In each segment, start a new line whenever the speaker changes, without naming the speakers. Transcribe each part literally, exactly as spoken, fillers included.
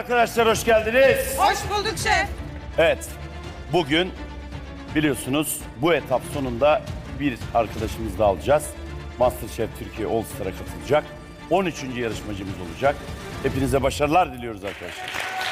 arkadaşlar, hoş geldiniz.
Hoş bulduk şef.
Evet, bugün biliyorsunuz bu etap sonunda bir arkadaşımızı da alacağız. MasterChef Türkiye All Star'a katılacak. on üçüncü yarışmacımız olacak. Hepinize başarılar diliyoruz arkadaşlar.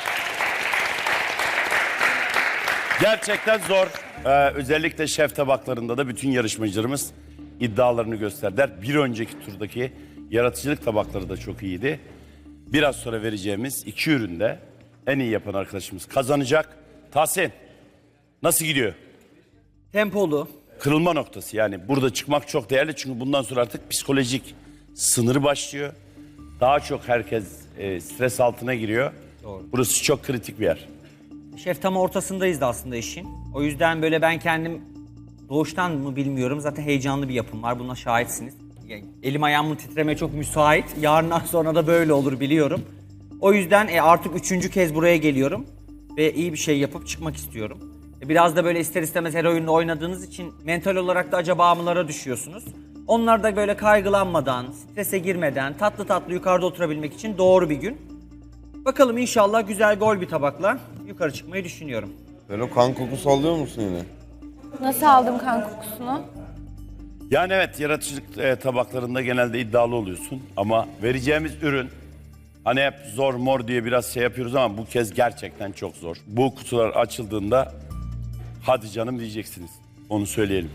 Gerçekten zor. Ee, özellikle şef tabaklarında da bütün yarışmacılarımız iddialarını gösterdiler. Bir önceki turdaki yaratıcılık tabakları da çok iyiydi. Biraz sonra vereceğimiz iki üründe en iyi yapan arkadaşımız kazanacak. Tahsin, nasıl gidiyor?
Tempolu.
Kırılma noktası, yani burada çıkmak çok değerli çünkü bundan sonra artık psikolojik sınırı başlıyor. Daha çok herkes e, stres altına giriyor.
Doğru.
Burası çok kritik bir yer.
Şef tam ortasındayız da aslında işin. O yüzden böyle ben kendim doğuştan mı bilmiyorum. Zaten heyecanlı bir yapım var. Buna şahitsiniz. Yani elim ayağımın titremeye çok müsait. Yarından sonra da böyle olur biliyorum. O yüzden e, artık üçüncü kez buraya geliyorum. Ve iyi bir şey yapıp çıkmak istiyorum. E, biraz da böyle ister istemez her oyunda oynadığınız için mental olarak da acaba mılara düşüyorsunuz. Onlar da böyle kaygılanmadan, strese girmeden tatlı tatlı yukarıda oturabilmek için doğru bir gün. Bakalım inşallah güzel gol bir tabakla yukarı çıkmayı düşünüyorum.
Sen o kan kokusu alıyor musun yine?
Nasıl aldım kan kokusunu?
Yani evet, yaratıcılık e, tabaklarında genelde iddialı oluyorsun. Ama vereceğimiz ürün, hani hep zor mor diye biraz şey yapıyoruz ama bu kez gerçekten çok zor. Bu kutular açıldığında hadi canım diyeceksiniz. Onu söyleyelim.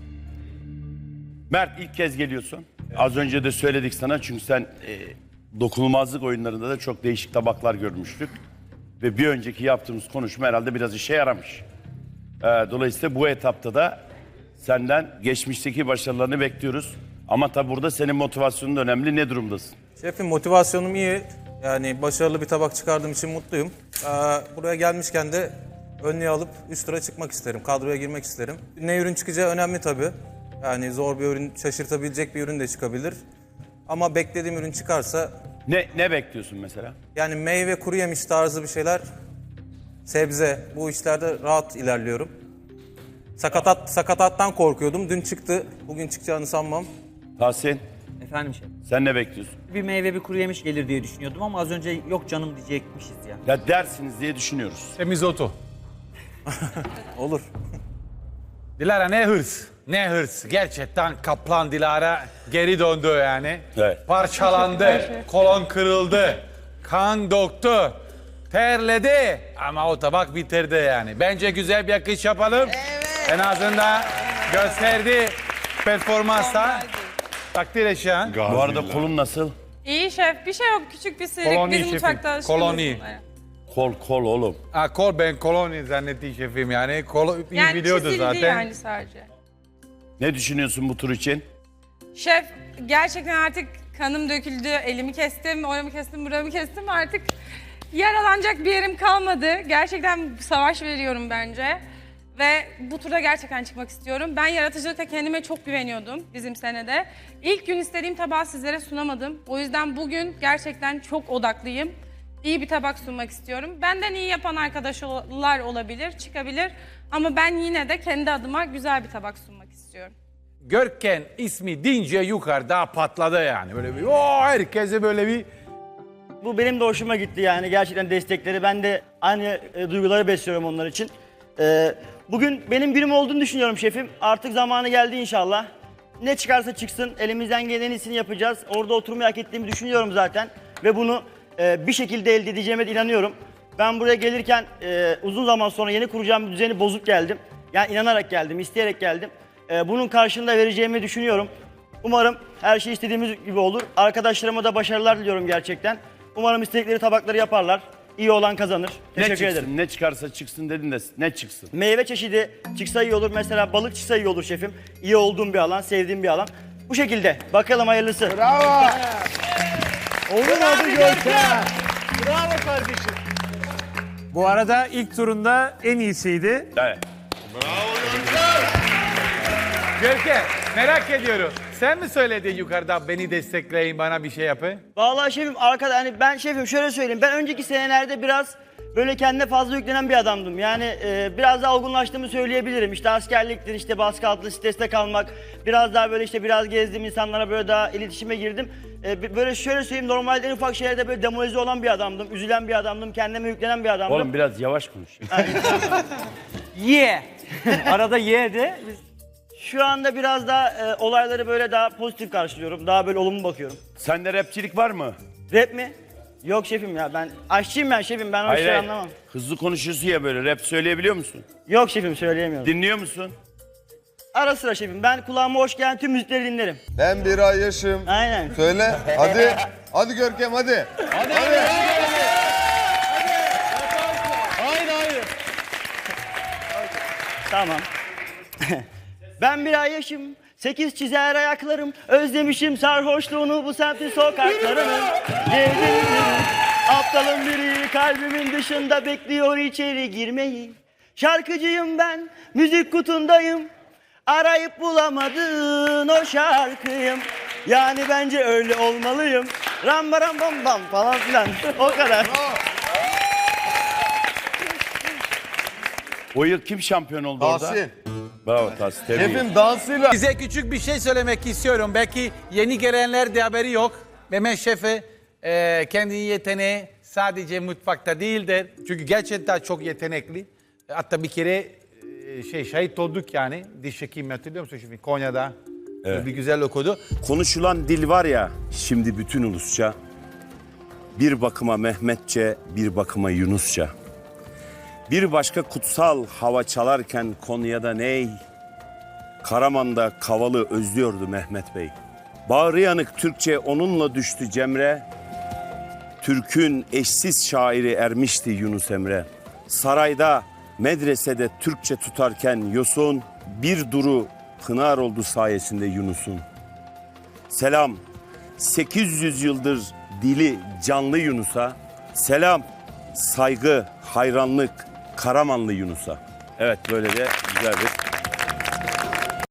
Mert, ilk kez geliyorsun. Az önce de söyledik sana çünkü sen e, dokunulmazlık oyunlarında da çok değişik tabaklar görmüştük. Ve bir önceki yaptığımız konuşma herhalde biraz işe yaramış. E, dolayısıyla bu etapta da senden geçmişteki başarılarını bekliyoruz. Ama tabi burada senin motivasyonun da önemli. Ne durumdasın?
Şefim, motivasyonum iyi. Yani başarılı bir tabak çıkardığım için mutluyum. Ee, buraya gelmişken de önlüğü alıp üst tura çıkmak isterim. Kadroya girmek isterim. Ne ürün çıkacağı önemli tabii. Yani zor bir ürün, şaşırtabilecek bir ürün de çıkabilir. Ama beklediğim ürün çıkarsa...
Ne, ne bekliyorsun mesela?
Yani meyve, kuru yemiş tarzı bir şeyler, sebze. Bu işlerde rahat ilerliyorum. Sakatat, sakatattan korkuyordum. Dün çıktı. Bugün çıkacağını sanmam.
Tahsin,
Efendim şef.
sen ne bekliyorsun?
Bir meyve bir kuru yemiş gelir diye düşünüyordum ama az önce yok canım diyecekmişiz ya.
Ya dersiniz diye düşünüyoruz.
Semizotu.
Olur.
Dilara ne hırs. Ne hırs. Gerçekten Kaplan Dilara geri döndü yani.
Evet.
Parçalandı. Kolon kırıldı. Kan döktü. Terledi. Ama o tabak bitirdi yani. Bence güzel bir akış yapalım. Evet. En azından gösterdi performansa. Takdir eşyan.
Bu arada kolun nasıl?
İyi şef. Bir şey yok. Küçük bir sıyrık.
Koloni
Bizim
şefim,
mutfakta alışkınız
koloni.
bunlara.
Kol kol oğlum.
Ha, kol ben koloni zannetti şefim yani. Kol iyi
Yani
biliyordu
çizildi
zaten.
yani sadece.
Ne düşünüyorsun bu tur için?
Şef, gerçekten artık kanım döküldü. Elimi kestim, oramı kestim, buramı kestim. Artık yaralanacak bir yerim kalmadı. Gerçekten savaş veriyorum bence. Ve bu turda gerçekten çıkmak istiyorum. Ben yaratıcılıkta kendime çok güveniyordum bizim senede. İlk gün istediğim tabağı sizlere sunamadım. O yüzden bugün gerçekten çok odaklıyım. İyi bir tabak sunmak istiyorum. Benden iyi yapan arkadaşlar olabilir, çıkabilir. Ama ben yine de kendi adıma güzel bir tabak sunmak istiyorum.
Görken ismi deyince yukarıda patladı yani. Böyle bir o herkese böyle bir
Bu benim de hoşuma gitti yani gerçekten destekleri. Ben de aynı e, duyguları besliyorum onlar için. E, bugün benim günüm olduğunu düşünüyorum şefim. Artık zamanı geldi inşallah. Ne çıkarsa çıksın elimizden gelen iyisini yapacağız. Orada oturmayı hak ettiğimi düşünüyorum zaten. Ve bunu e, bir şekilde elde edeceğime de inanıyorum. Ben buraya gelirken e, uzun zaman sonra yeni kuracağım bir düzeni bozup geldim. Yani inanarak geldim, isteyerek geldim. E, bunun karşılığında vereceğimi düşünüyorum. Umarım her şey istediğimiz gibi olur. Arkadaşlarıma da başarılar diliyorum gerçekten. Umarım istedikleri tabakları yaparlar. İyi olan kazanır.
Ne
Teşekkür
çıksın?
ederim.
Ne çıkarsa çıksın dedin de ne çıksın?
Meyve çeşidi çıksa iyi olur. Mesela balık çıksa iyi olur şefim. İyi olduğum bir alan, sevdiğim bir alan. Bu şekilde. Bakalım hayırlısı.
Bravo!
Olur mu Görkem? Bravo kardeşim. Bu arada ilk turunda en iyisiydi.
Evet.
Görkem merak ediyorum. Sen mi söyledin yukarıda beni destekleyin bana bir şey yapın?
Vallahi şefim arkada hani ben şefim şöyle söyleyeyim. Ben önceki senelerde biraz böyle kendine fazla yüklenen bir adamdım. Yani e, biraz daha olgunlaştığımı söyleyebilirim. İşte askerliktir, işte baskı altında streste kalmak. Biraz daha böyle işte biraz gezdim, insanlara böyle daha iletişime girdim. E, böyle şöyle söyleyeyim, normalde en ufak şeylerde böyle demoralize olan bir adamdım. Üzülen bir adamdım, kendime yüklenen bir adamdım.
Oğlum biraz yavaş konuş.
Ye. Arada ye de. Biz...
Şu anda biraz daha e, olayları böyle daha pozitif karşılıyorum. Daha böyle olumlu bakıyorum.
Sende rapçilik var mı?
Rap mi? Yok şefim ya, ben aşçıyım ben şefim, ben o
Hayır,
işleri
hayır.
anlamam.
Hızlı konuşuyorsun ya böyle. Rap söyleyebiliyor musun?
Yok şefim, söyleyemiyorum.
Dinliyor musun?
Ara sıra şefim, ben kulağıma hoş gelen tüm müzikleri dinlerim.
Ben bir ay yaşım.
Aynen.
Söyle. Hadi. Hadi Görkem hadi. Hadi. hadi.
Tamam. Ben bir ay yaşım, sekiz çizer ayaklarım, özlemişim sarhoşluğunu bu semtin sokaklarını. Gezdim, aptalın biri kalbimin dışında bekliyor içeri girmeyi. Şarkıcıyım ben, müzik kutundayım, arayıp bulamadın o şarkıyım. Yani bence öyle olmalıyım. Ram baram bam bam falan filan. O kadar.
O yıl kim şampiyon oldu orada?
Tahsin.
Bravo Tahsin. tebrik ederim.
Şefim dansıyla.
Size küçük bir şey söylemek istiyorum. Belki yeni gelenler de haberi yok. Mehmet Şef'e e, kendi yeteneği sadece mutfakta değildir. Çünkü gerçekten çok yetenekli. Hatta bir kere e, şey şahit olduk yani. Diş hekimi hatırlıyor musun şimdi Konya'da?
Evet.
Bir güzel okudu.
Konuşulan dil var ya şimdi bütün ulusça. Bir bakıma Mehmetçe, bir bakıma Yunusça. Bir başka kutsal hava çalarken Konya'da ney? Karaman'da Kavalı özlüyordu Mehmet Bey. Bağrı yanık Türkçe onunla düştü Cemre. Türk'ün eşsiz şairi ermişti Yunus Emre. Sarayda, medresede Türkçe tutarken Yosun, bir duru pınar oldu sayesinde Yunus'un. Selam, sekiz yüz yıldır dili canlı Yunus'a. Selam, saygı, hayranlık Karamanlı Yunus'a. Evet, böyle de güzel bir...